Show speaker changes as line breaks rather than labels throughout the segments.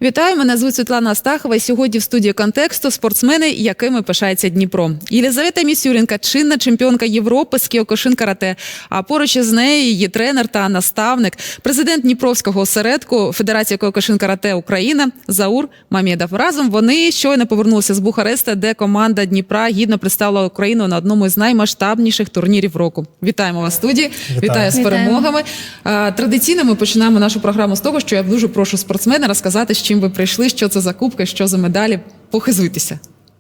Вітаю, мене звуть Світлана Астахова. І сьогодні в студії «Контексту» спортсмени, якими пишається Дніпро. Єлизавета Місюрінка – чинна чемпіонка Європи з кіокушин-карате, а поруч із нею її тренер та наставник, президент Дніпровського осередку Федерації кіокушин-карате Україна Заур Мамєдов. Разом вони щойно повернулися з Бухареста, де команда Дніпра гідно представила Україну на одному з наймасштабніших турнірів року. Вітаємо вас в студії, вітаю з перемогами. Традиційно ми починаємо нашу програму з того, що я дуже прошу спортсмена розказати, з чим ви прийшли, що це за кубки, що за медалі. Похизуйтеся.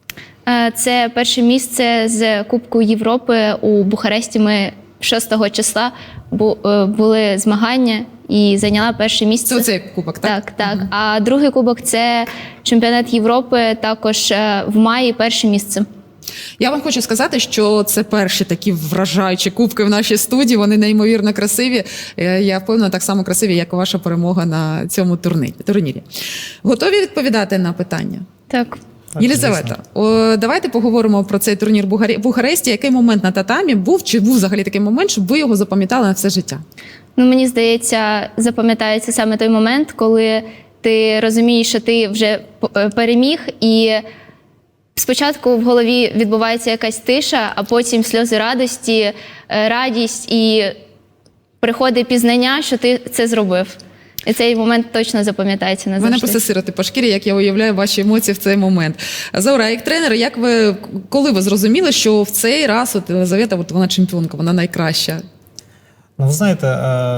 Це перше місце з Кубку Європи у Бухаресті. Ми 6 числа були змагання і зайняла перше місце.
Це оцей кубок, так?
Так. Угу. А другий кубок – це чемпіонат Європи, також в маї перше місце.
Я вам хочу сказати, що це перші такі вражаючі кубки в нашій студії. Вони неймовірно красиві. Я впевнена, так само красиві, як і ваша перемога на цьому турнірі. Готові відповідати на питання?
Так.
Єлизавета, давайте поговоримо про цей турнір в Бухаресті. Який момент на татамі був, чи був взагалі такий момент, щоб ви його запам'ятали на все життя?
Мені здається, запам'ятається саме той момент, коли ти розумієш, що ти вже переміг, і спочатку в голові відбувається якась тиша, а потім сльози радості, радість і приходить пізнання, що ти це зробив. І цей момент точно запам'ятається назавжди.
Мене просто сирити по шкірі, як я уявляю ваші емоції в цей момент. Заура, як тренер, коли ви зрозуміли, що в цей раз Єлизавета, вона чемпіонка, вона найкраща?
Ви знаєте,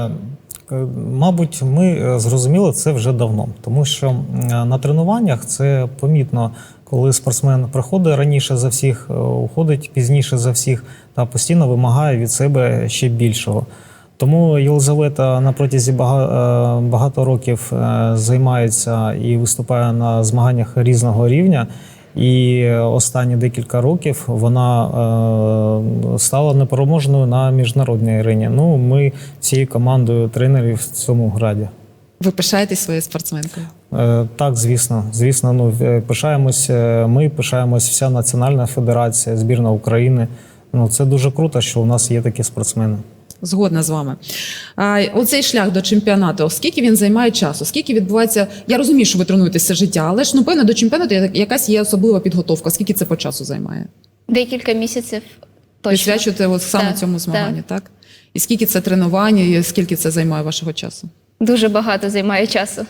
мабуть, ми зрозуміли це вже давно, тому що на тренуваннях це помітно, коли спортсмен приходить раніше за всіх, уходить пізніше за всіх та постійно вимагає від себе ще більшого. Тому Єлизавета на протязі багато років займається і виступає на змаганнях різного рівня. І останні декілька років вона стала непереможною на міжнародній арені. Ми всією командою тренерів в цьому граді.
Ви пишаєтесь своєю спортсменкою?
Так, звісно. Звісно, пишаємось ми, пишаємось вся Національна федерація, збірна України. Це дуже круто, що у нас є такі спортсмени.
Згодна з вами. Оцей шлях до чемпіонату, скільки він займає часу? Скільки відбувається? Я розумію, що ви тренуєтеся життя, але ж, певно, до чемпіонату якась є особлива підготовка. Скільки це по часу займає?
Декілька місяців точно.
Присвячуєте саме цьому змаганню, так? І скільки це тренування, і скільки це займає вашого часу?
Дуже багато займає часу,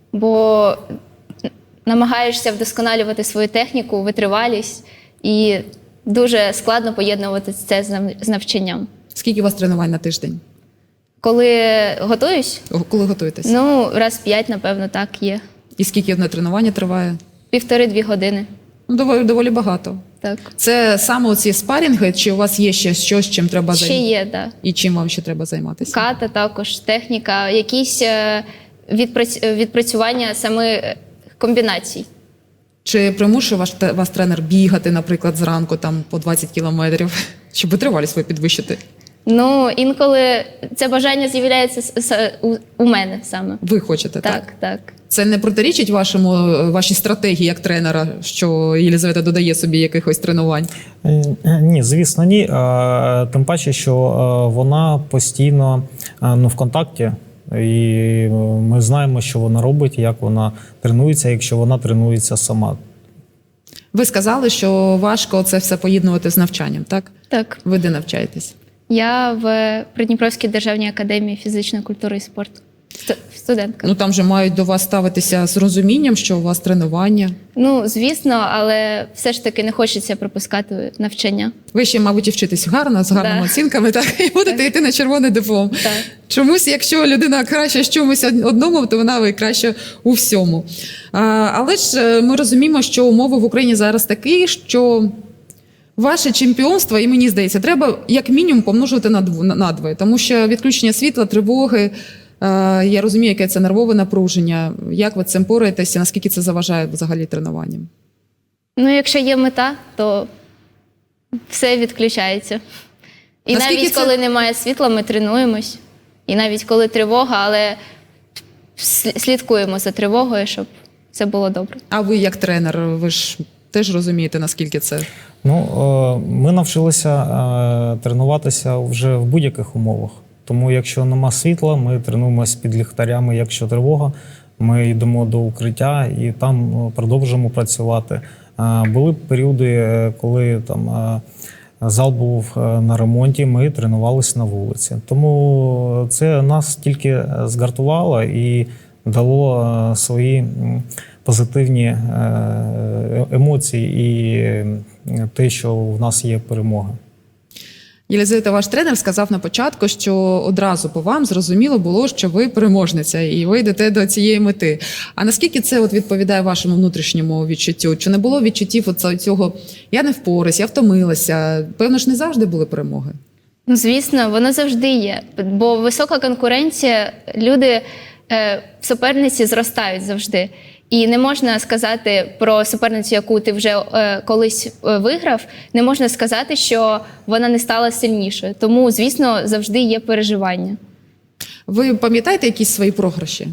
бо намагаєшся вдосконалювати свою техніку, витривалість, і дуже складно поєднувати це з навчанням.
Скільки у вас тренувань на тиждень?
Коли готуюсь?
Коли готуєтесь?
Раз 5, напевно, так є.
І скільки одне тренування триває?
1,5–2 години.
Доволі багато.
Так.
Це саме оці спарінги, чи у вас є ще щось, чим треба займатися?
Ще є, так.
І чим вам ще треба займатися?
Ката також, техніка, якісь відпрацювання саме комбінацій. Чи
примушує вас тренер бігати, наприклад, зранку по 20 кілометрів, щоб витривалість свою підвищити?
Інколи це бажання з'являється у мене саме.
Ви хочете, так?
Так.
Це не протирічить вашій стратегії як тренера, що Єлизавета додає собі якихось тренувань?
Ні, звісно, ні. Тим паче, що вона постійно в контакті. І ми знаємо, що вона робить, як вона тренується, якщо вона тренується сама.
Ви сказали, що важко це все поєднувати з навчанням, так?
Так.
Ви де навчаєтесь?
Я в Придніпровській державній академії фізичної культури і спорту. Студентка.
Там же мають до вас ставитися з розумінням, що у вас тренування.
Звісно, але все ж таки не хочеться пропускати навчання.
Ви ще, мабуть, і вчитесь гарно, з гарними оцінками, так? І будете йти на червоний диплом.
Так.
Чомусь, якщо людина краща в чомусь одному, то вона краще у всьому. Але ж ми розуміємо, що умови в Україні зараз такі, що ваше чемпіонство, і мені здається, треба як мінімум помножувати на 2. Тому що відключення світла, тривоги, я розумію, яке це нервове напруження. Як ви з цим пораєтеся, наскільки це заважає взагалі тренуванням?
Якщо є мета, то все відключається. І навіть коли немає світла, ми тренуємось. І навіть коли тривога, але слідкуємо за тривогою, щоб це було добре.
А ви як тренер, ви ж теж розумієте, наскільки це?
Ми навчилися тренуватися вже в будь-яких умовах. Тому якщо нема світла, ми тренуємося під ліхтарями, якщо тривога, ми йдемо до укриття і там продовжуємо працювати. Були періоди, коли там зал був на ремонті, ми тренувалися на вулиці. Тому це нас тільки згартувало і дало свої позитивні емоції і те, що в нас є перемога.
Єлизавета, ваш тренер сказав на початку, що одразу по вам зрозуміло було, що ви переможниця і ви йдете до цієї мети. А наскільки це відповідає вашому внутрішньому відчуттю? Чи не було відчуттів цього «я не впораюсь, я втомилася»? Певно ж, не завжди були перемоги.
Ну, звісно, воно завжди є, бо висока конкуренція, люди в суперниці зростають завжди. І не можна сказати про суперницю, яку ти вже колись виграв, не можна сказати, що вона не стала сильнішою. Тому, звісно, завжди є переживання.
Ви пам'ятаєте якісь свої програші?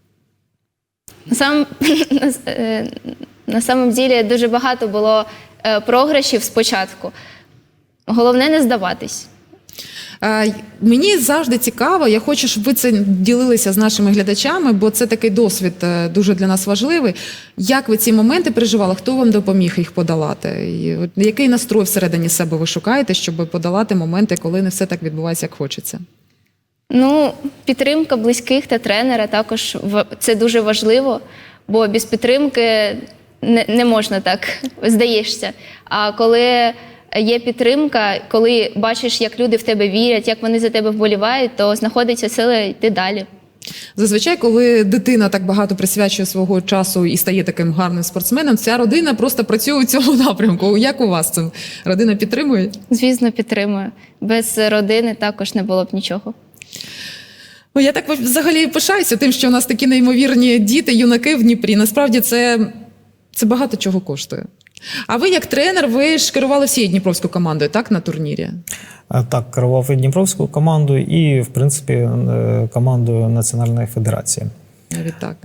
На самом ділі дуже багато було програшів спочатку. Головне не здаватись.
Мені завжди цікаво, я хочу, щоб ви це ділилися з нашими глядачами, бо це такий досвід дуже для нас важливий. Як ви ці моменти переживали? Хто вам допоміг їх подолати? І який настрой всередині себе ви шукаєте, щоб подолати моменти, коли не все так відбувається, як хочеться?
Ну, підтримка близьких та тренера також це дуже важливо, бо без підтримки не можна так, здаєшся. А коли є підтримка, коли бачиш, як люди в тебе вірять, як вони за тебе вболівають, то знаходиться сила йти далі.
Зазвичай, коли дитина так багато присвячує свого часу і стає таким гарним спортсменом, ця родина просто працює у цьому напрямку. Як у вас це? Родина підтримує?
Звісно, підтримую. Без родини також не було б нічого.
Я так взагалі пишаюся тим, що у нас такі неймовірні діти, юнаки в Дніпрі. Насправді це багато чого коштує. А ви як тренер, ви ж керували всією дніпровською командою, так, на турнірі?
Так, керував і дніпровською командою, і, в принципі, командою Національної федерації.
Навіть так.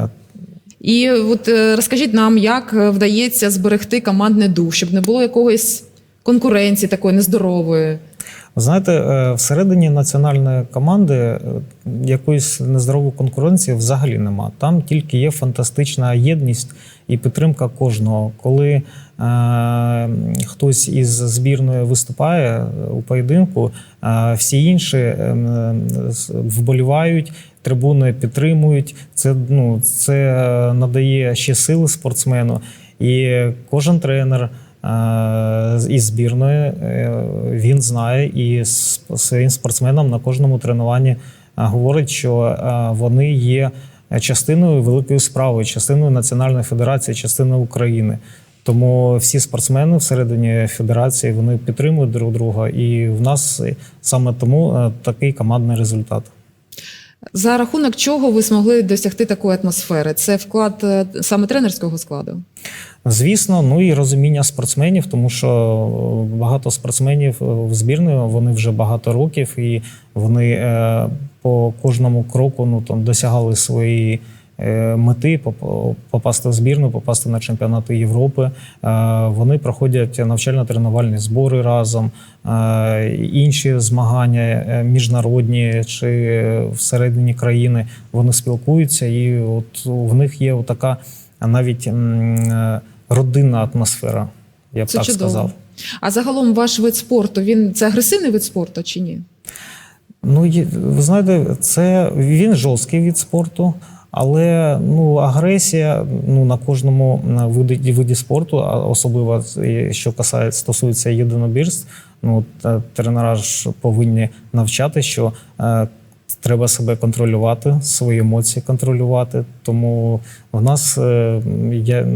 І от розкажіть нам, як вдається зберегти командний дух, щоб не було якоїсь конкуренції такої нездорової?
Знаєте, всередині національної команди якоїсь нездорової конкуренції взагалі нема. Там тільки є фантастична єдність і підтримка кожного. Коли хтось із збірної виступає у поєдинку, всі інші вболівають, трибуни підтримують. Це надає ще сили спортсмену. І кожен тренер із збірної, він знає і своїм спортсменам на кожному тренуванні говорить, що вони є частиною великої справи, частиною Національної федерації, частиною України. Тому всі спортсмени всередині федерації, вони підтримують друг друга, і в нас саме тому такий командний результат.
За рахунок чого ви змогли досягти такої атмосфери? Це вклад саме тренерського складу?
Звісно, і розуміння спортсменів, тому що багато спортсменів в збірної, вони вже багато років, і вони по кожному кроку досягали свої мети, попасти в збірну, попасти на чемпіонати Європи. Вони проходять навчально-тренувальні збори разом, інші змагання міжнародні чи всередині країни. Вони спілкуються, і от в них є така навіть родинна атмосфера, я б
це
так
чудово.
сказав.
А загалом ваш вид спорту, це агресивний вид спорту чи ні?
Ви знаєте, він жорсткий вид спорту, але агресія на кожному виді спорту, особливо що стосується єдинобірств, тренера ж повинні навчати, що треба себе контролювати, свої емоції контролювати. Тому в нас є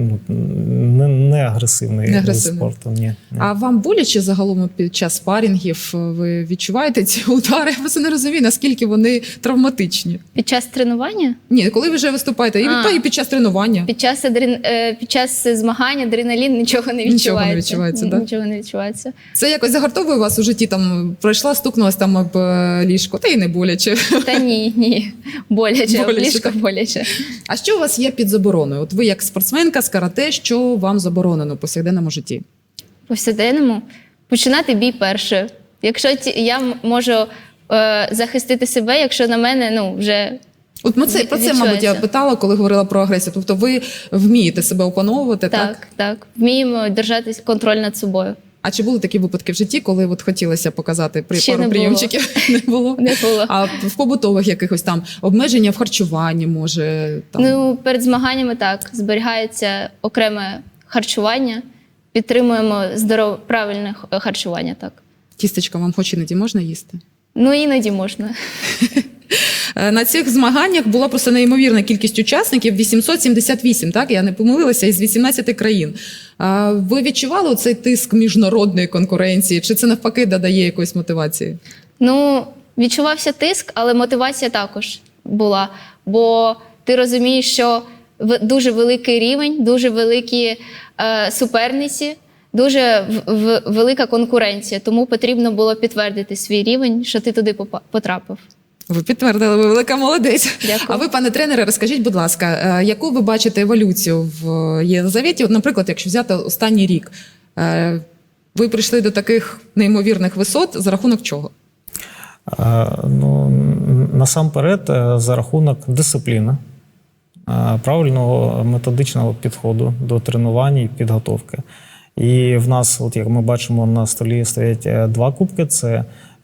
не агресивний вид спорту. Ні.
А вам боляче загалом під час спарінгів? Ви відчуваєте ці удари? Я просто не розумію, наскільки вони травматичні.
Під час тренування?
Ні, коли ви вже виступаєте, і під час тренування.
Під час змагань адреналін нічого не відчувається.
Нічого не відчувається, так?
Нічого не відчувається.
Це якось загартовує вас у житті? Там пройшла, стукнулась там об ліжко, та й не боляче.
Та ні. Боляче. Ліжко боляче.
А що у вас є під забороною? От ви як спортсменка з карате, що вам заборонено у повсякденному житті?
Повсякденному? Починати бій перше. Якщо я можу захистити себе, якщо на мене вже
От про це, мабуть, я
відчувається.
питала, коли говорила про агресію. Тобто ви вмієте себе опановувати, так?
Так. Вміємо держати контроль над собою.
А чи були такі випадки в житті, коли от хотілося показати
Ще
пару
не було.
прийомчиків? Не було?
Не було.
А в побутових якихось там обмеження в харчуванні, може? Там...
Ну, перед змаганнями так, зберігається окреме харчування, підтримуємо правильне харчування, так.
Тістечка вам хоч іноді можна їсти?
Ну, іноді можна.
На цих змаганнях була просто неймовірна кількість учасників – 878, так? Я не помилилася, із 18 країн. Ви відчували цей тиск міжнародної конкуренції? Чи це навпаки додає якоїсь мотивації?
Ну, відчувався тиск, але мотивація також була. Бо ти розумієш, що дуже великий рівень, дуже великі суперниці, дуже велика конкуренція. Тому потрібно було підтвердити свій рівень, що ти туди потрапив.
Ви підтвердили, ви велика молодець.
Дякую.
А ви, пане тренере, розкажіть, будь ласка, яку ви бачите еволюцію в Єлизаветі? От, наприклад, якщо взяти останній рік, ви прийшли до таких неймовірних висот за рахунок чого?
Ну, насамперед, за рахунок дисципліни, правильного методичного підходу до тренувань і підготовки. І в нас, от як ми бачимо, на столі стоять 2 кубки. Це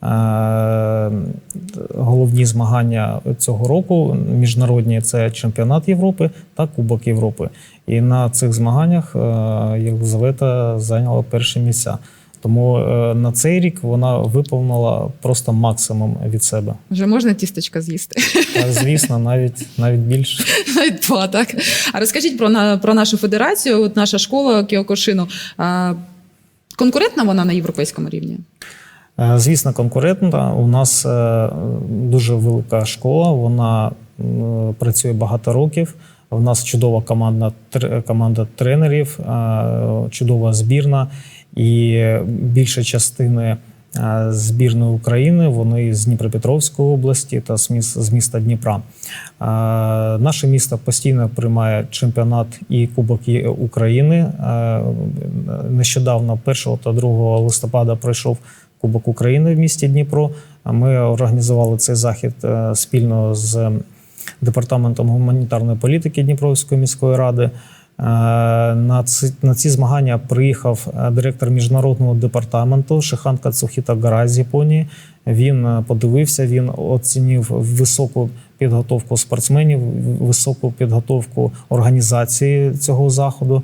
головні змагання цього року, міжнародні – це чемпіонат Європи та Кубок Європи. І на цих змаганнях Єлизавета зайняла перші місця. Тому на цей рік вона виповнила просто максимум від себе.
Вже можна тістечка з'їсти?
Та, звісно, навіть більше.
Навіть 2, так. А розкажіть про нашу федерацію, от наша школа Кіокушину. Конкурентна вона на європейському рівні?
Звісно, конкурентна. У нас дуже велика школа, вона працює багато років. У нас чудова команда тренерів, чудова збірна. І більша частина збірної України, вони з Дніпропетровської області та з міста Дніпра. Наше місто постійно приймає чемпіонат і Кубок України. Нещодавно, 1 та 2 листопада, пройшов Кубок України в місті Дніпро. Ми організували цей захід спільно з Департаментом гуманітарної політики Дніпровської міської ради. На ці змагання приїхав директор міжнародного департаменту Шихан Кацухіта Гара з Японії. Він подивився, він оцінив високу підготовку спортсменів, високу підготовку організації цього заходу.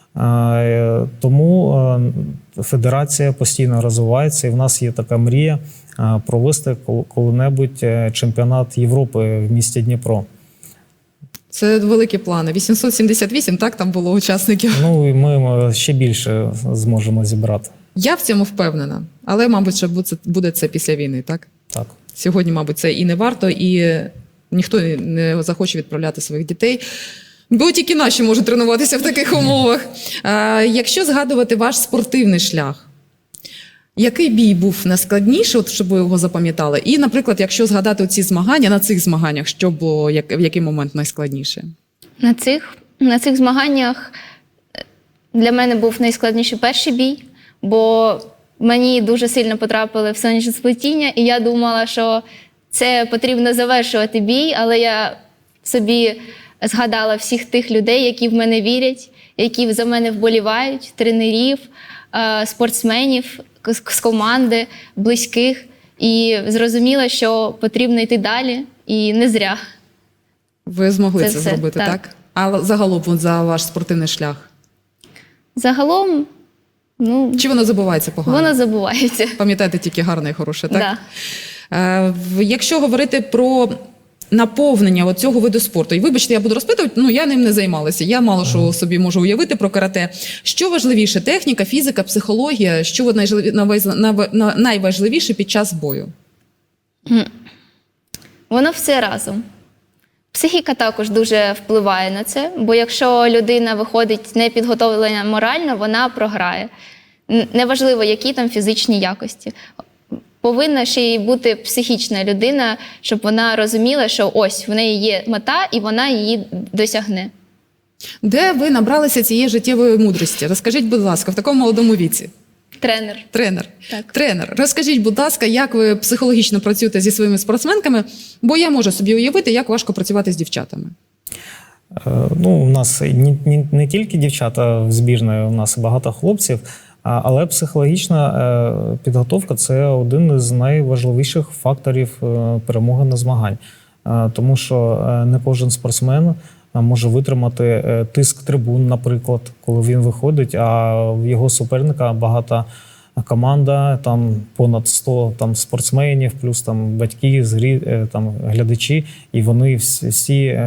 Тому федерація постійно розвивається, і в нас є така мрія провести коли-небудь чемпіонат Європи в місті Дніпро.
Це великі плани. 878, так, там було учасників?
Ну, і ми ще більше зможемо зібрати.
Я в цьому впевнена. Але, мабуть, що буде це після війни, так?
Так.
Сьогодні, мабуть, це і не варто, і ніхто не захоче відправляти своїх дітей. Бо тільки наші можуть тренуватися в таких умовах. Якщо згадувати ваш спортивний шлях, який бій був найскладніший, от щоб ви його запам'ятали? І, наприклад, якщо згадати ці змагання, на цих змаганнях, що було, в який момент найскладніше?
На цих змаганнях для мене був найскладніший перший бій, бо мені дуже сильно потрапили в сонячне сплетіння, і я думала, що це потрібно завершувати бій, але я собі згадала всіх тих людей, які в мене вірять, які за мене вболівають, тренерів, спортсменів з команди, близьких, і зрозуміла, що потрібно йти далі, і не зря.
Ви змогли це
все,
зробити,
так.
так? А загалом от за ваш спортивний шлях?
Загалом, ну,
Чи воно забувається погано?
воно забувається.
Пам'ятаєте тільки гарне і хороше, так?
Да.
Якщо говорити про наповнення цього виду спорту, і вибачте, я буду розпитувати, я ним не займалася, я мало що собі можу уявити про карате. Що важливіше, техніка, фізика, психологія, що найважливіше під час бою?
Воно все разом. Психіка також дуже впливає на це, бо якщо людина виходить не підготовлена морально, вона програє. Неважливо, які там фізичні якості. Повинна ще й бути психічна людина, щоб вона розуміла, що ось в неї є мета і вона її досягне.
Де ви набралися цієї життєвої мудрості? Розкажіть, будь ласка, в такому молодому віці.
Тренер. Так.
Тренер, розкажіть, будь ласка, як ви психологічно працюєте зі своїми спортсменками, бо я можу собі уявити, як важко працювати з дівчатами.
Ну, у нас не тільки дівчата в збірної, у нас багато хлопців, але психологічна підготовка – це один із найважливіших факторів перемоги на змагань. Тому що не кожен спортсмен може витримати тиск трибун, наприклад, коли він виходить, а в його суперника багата команда, там понад 100 там, спортсменів, плюс там батьки, там, глядачі, і вони всі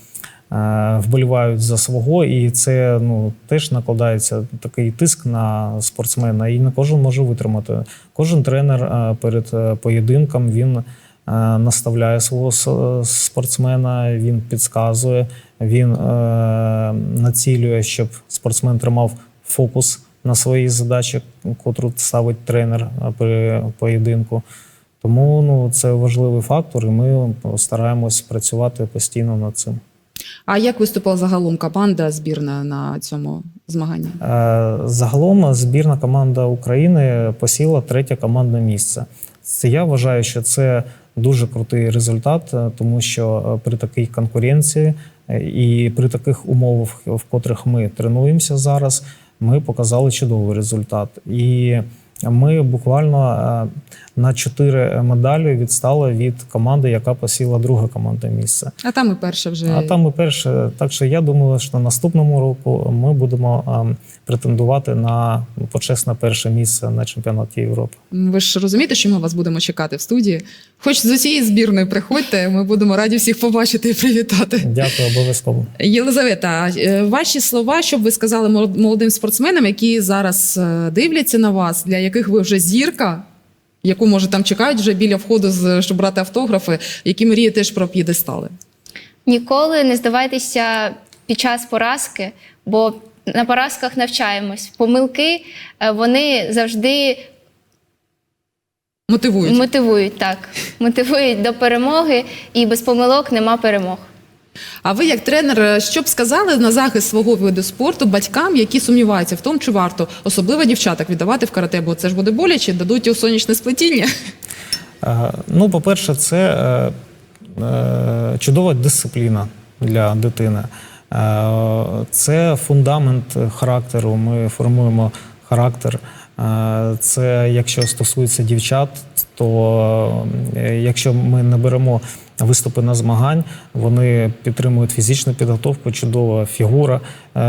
вболівають за свого, і це теж накладається такий тиск на спортсмена, і не кожен може витримати. Кожен тренер перед поєдинком, він наставляє свого спортсмена, він підказує, він націлює, щоб спортсмен тримав фокус на свої задачі, котру ставить тренер при поєдинку. Тому це важливий фактор, і ми стараємось працювати постійно над цим.
А як виступила загалом команда збірна на цьому змаганні?
Загалом збірна команда України посіла 3-те командне місце. Я вважаю, що це дуже крутий результат, тому що при такій конкуренції і при таких умовах, в котрих ми тренуємося зараз, ми показали чудовий результат. І ми буквально на 4 медалі відстали від команди, яка посіла 2-те командне місце.
А там і перше вже.
А там і перше. Так що я думаю, що наступному року ми будемо претендувати на почесне перше місце на чемпіонаті Європи.
Ви ж розумієте, що ми вас будемо чекати в студії? Хоч з усієї збірної приходьте, ми будемо раді всіх побачити і привітати.
Дякую, обов'язково.
Єлизавета, ваші слова, що б ви сказали молодим спортсменам, які зараз дивляться на вас, для яких ви вже зірка, яку, може, там чекають вже біля входу, щоб брати автографи, які мріють теж про п'єдестали?
Ніколи не здавайтеся під час поразки, бо на поразках навчаємось. Помилки, вони завжди мотивують, так. Мотивують до перемоги, і без помилок нема перемог.
А ви, як тренер, що б сказали на захист свого виду спорту батькам, які сумніваються в тому, чи варто особливо дівчаток віддавати в карате, бо це ж буде боляче, дадуть у сонячне сплетіння?
Ну, по-перше, це чудова дисципліна для дитини. Це фундамент характеру, ми формуємо характер. Це, якщо стосується дівчат, то якщо ми не беремо виступи на змагань, вони підтримують фізичну підготовку, чудова фігура,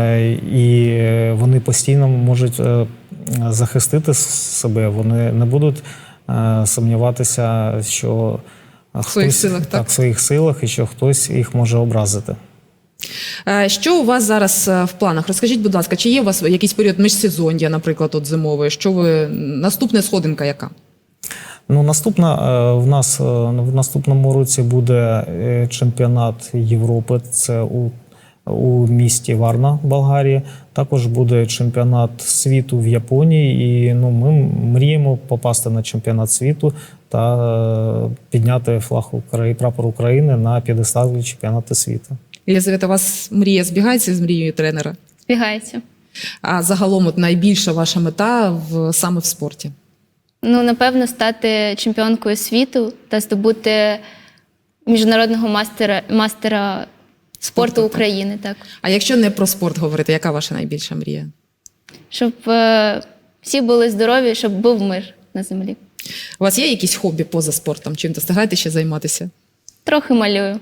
і вони постійно можуть захистити себе, вони не будуть сумніватися, що
в своїх силах, так?
В своїх силах, і що хтось їх може образити.
Що у вас зараз в планах? Розкажіть, будь ласка, чи є у вас якийсь період міжсезоння, наприклад, от зимовий? Наступна сходинка яка? Ну,
в нас в наступному році буде чемпіонат Європи, це у місті Варна, Болгарії. Також буде чемпіонат світу в Японії, і ми мріємо попасти на чемпіонат світу та підняти прапор України на п'єдесталі чемпіонату світу.
Єлизавета, у вас мрія збігається з мрією тренера?
Збігається.
А загалом найбільша ваша мета саме в спорті?
Ну, напевно, стати чемпіонкою світу та здобути міжнародного мастера спорту України. Так.
А якщо не про спорт говорити, яка ваша найбільша мрія?
Щоб всі були здорові, щоб був мир на землі.
У вас є якісь хобі поза спортом? Чим-то встигаєте ще займатися?
Трохи малюю.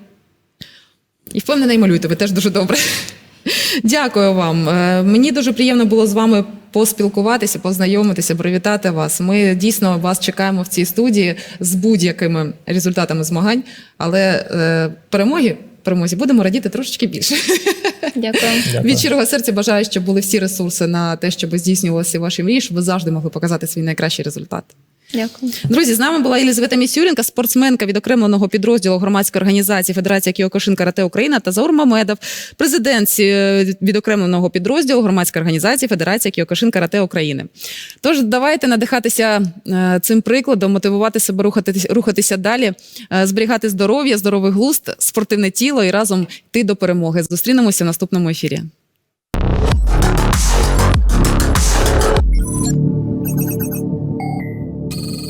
І впевнена, і малюєте, ви теж дуже добре. Дякую вам. Мені дуже приємно було з вами поспілкуватися, познайомитися, привітати вас. Ми дійсно вас чекаємо в цій студії з будь-якими результатами змагань, але перемозі будемо радіти трошечки більше.
Дякую.
Від щирого серця бажаю, щоб були всі ресурси на те, щоб здійснювалися ваші мрії, щоб ви завжди могли показати свій найкращий результат.
Дякую.
Друзі, з нами була Єлизавета Місюрінка, спортсменка відокремленого підрозділу громадської організації Федерація Кіокушин Карате Україна, та Заур Мамедов, президент відокремленого підрозділу громадської організації Федерація Кіокушин Карате України. Тож давайте надихатися цим прикладом, мотивувати себе рухатися далі, зберігати здоров'я, здоровий глузд, спортивне тіло і разом йти до перемоги. Зустрінемося в наступному ефірі.